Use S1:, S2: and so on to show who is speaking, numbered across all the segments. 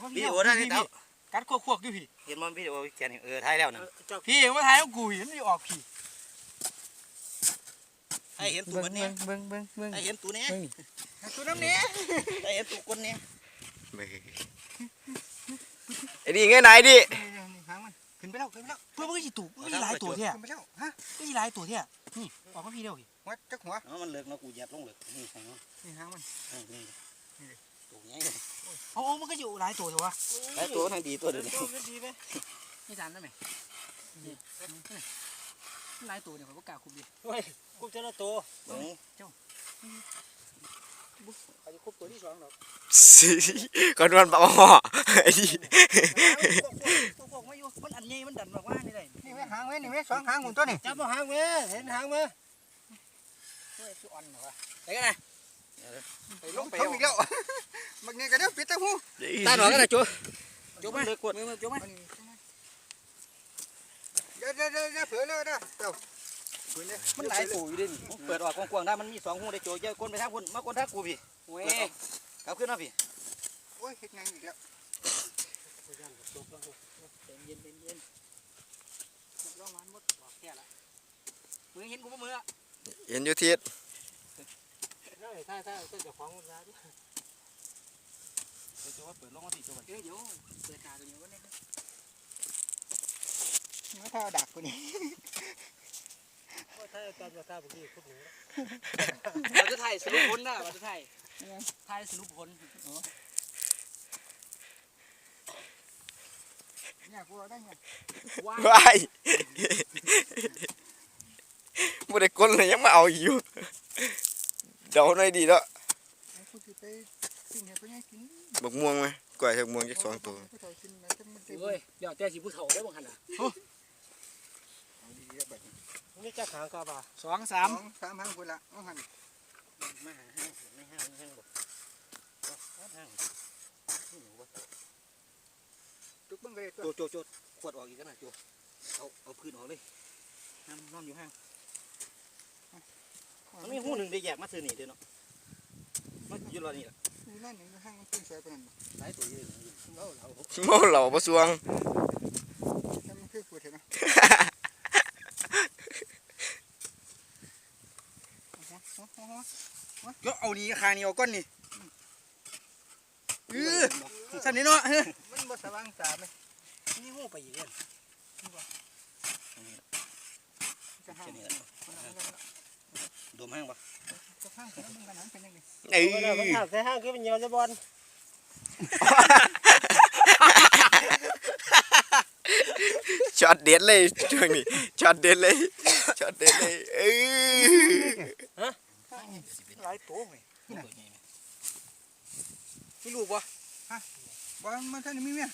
S1: วิดีโอได้พี่
S2: กัดควกๆอยู่พี่
S1: เห็นมันวิดีโอแกนี่ถ่ายแล้วนะ
S2: พี่มาถ่ายแล้วกูเห็นมันออกพี่
S1: ไอ้เห็นตัวมันเนี่ย
S3: เบิ้ง
S1: ไอ้เห็นตัวนี้
S2: ตัวน้ำเนี้ย
S1: ไอ้เห็นตัวคนนี้
S3: ไอ้ดิไงไหนดิ
S2: หางมันขึ้นไปแล้วเพื่อมันก็จะถูกมันหลายตัวเท่า
S4: ขึ้นไปแล้วฮะ
S2: มันหลายตัวเท่านี่ออกมาพี่เดียวพี่
S4: หัวจักหัว
S1: มันเลิกนะกูเหยียบลงเลยนี่หาง
S2: นี่หางมัน
S1: นี่ตัวใหญ่
S2: มันก็อยู่หลายตัวถูกปะ
S1: หลายตัวทั้งดีตัวเดียว
S2: ดีไหมไม่จานได้ไหมหลายตัวเนี่ยผมก็กล้าคุมดิ
S4: เฮ้ยคุมเจ้าตัว
S2: เจ้าเขาจะคุมตัวที่สองหรอก
S3: ก่อนวันปะหม้อไอ้ดิ
S2: พวกไม่อยู่มันอันใหญ่มันดันมากว่านี่เลย
S4: นี่แม่หางแม่นี่แม่สองหางหุ่นตัวนี่
S2: จับมาหางแม่เห็นหางแม่เฮ้ยคืออ่อนเหรอวะไปกันเลย
S4: ไปลงไปอีกแล้วบางทีก็เดี๋ยวปิดตาหู
S1: ตาหนอนกันนะจู
S2: มาเลยกดมือจูมา
S4: เดี๋ยวเผื่อเลยนะเจ้า
S1: มันหลายตัวอยู่ดิเปิดออกกว้างๆได้มันมี2หูได้โจเยอะคนไปทางคนมาคนทางกูพี่
S2: เว้ย
S1: กลับขึ้นมาพี่
S4: โอ้ยเฮ็ดไงอีกแล้ว
S2: เย็นร้องมันหมดบอกแค่ละมึงเห็นกูปะมือ
S3: เห็นอยู่ทิศ
S2: ถ้าจะฟ้องมันได้ด้วย
S1: โจว่าเปิดลงมาพี่โจว่า
S2: เดี๋ยวเปิดตาตัวนี้ก็ได้
S4: มาท่าดักคนนี้
S2: ถ้าการจะท่าบุกี้พูดหนูเราจะถ่ายสรุปผลนะเราจะถ่ายสรุปผล
S4: เนี่ยกูได้ไง
S3: ว้ายไม่ได้ก้นเลยยังมาเอาอยู่เดาหน่อยดีแล้วบักม่วงไหมกล้วยบักม่วงจะ2 ตัว
S2: เฮ้ยเดี๋ยวแต่สิผู้เฒ่าได้บ้างขนาดนี่จะหางกระบะ2 3
S4: 3หางคนละเอาหัน
S1: มาหาห้างไม่ห้างบอกห้าง
S4: จุกบังเลย
S1: โจขวดออกอีกกันนะโจเอาพื้นออกเลยห้ามนอนอยู่ห้างมันมีหูหนึ่งได้แยกมาซื้อนี่เด้อเนาะมันอยู่รอนี่แหละ
S4: นี่นั่นหนึ่งห้างมันขึ้นใส่ไปนั่น
S1: หลายตัวเยอะ
S3: เมาเหล่าประสวง
S4: มันคือพูดเห็นไหม
S2: ก็เอานี่คางนี่เอาก้อนนี่สั่นนี่เนาะ
S4: มันบ่สว่างตาไหม
S2: นี่หูไปอีกเลย
S1: ดมห้างปะ
S4: ห้างมันกันนั้นเป็นยังไง
S2: มันหักใส่ห้างคือเป็นเยาวจะบอล
S3: ช็อตเด็ดเลยช่วงนี้ช็อตเด็ดเลย
S2: ฮะหลายตัวเลยมีลูกปะ
S4: ฮะบอลมันท่านมีเมีย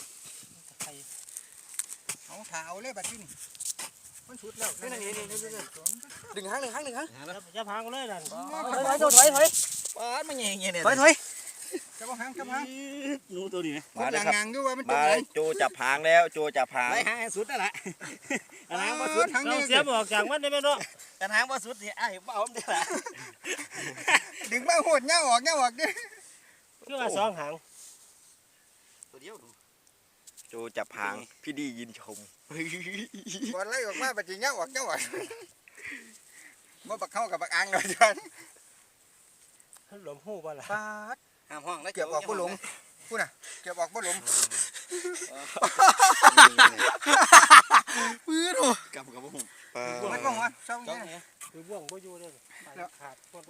S4: เอาเท้าเลยบัดนี้มันสุดแล้ว
S2: นี่ดึงหางจะพังเลยนั่นถอย
S1: ป้ามันเงี้ยเนี่ย
S2: ถอย
S4: จับหาง
S1: หนูตัวนี้ไหม
S4: มาเลยครับ
S3: มาโจจับหางแล้วโจจับหาง
S1: ไล่หางสุดนั่นแหละหางว่าสุด
S2: เราเสียบออกจากมันได้ไหมเนาะ
S1: กันหางว่าสุดเนี่ยไอ้บ้าผมได้ละ
S4: ดึงมาโหดเงาออกดิ
S2: คือว่า2 หาง
S1: ตัวเดียว
S3: โจจับหางพี่ดียินชม
S4: บอลไล่ออกมาบัดนี้เงาออกมาบักเข้ากับบักอังเลยจ้ะ
S2: หลมหูบ่ล่ะ
S4: ปาด
S1: ห้ามห้องแล้ว
S4: เก็บออกบ่หลงพูดน่ะเก็บออกบ่หลง
S3: ปื้ดโอ้
S1: กับบ่หุ่ม
S4: มันบ่หัวเศร้าเนี่ย
S2: คือบ่วงบ่อยู่เลยขาด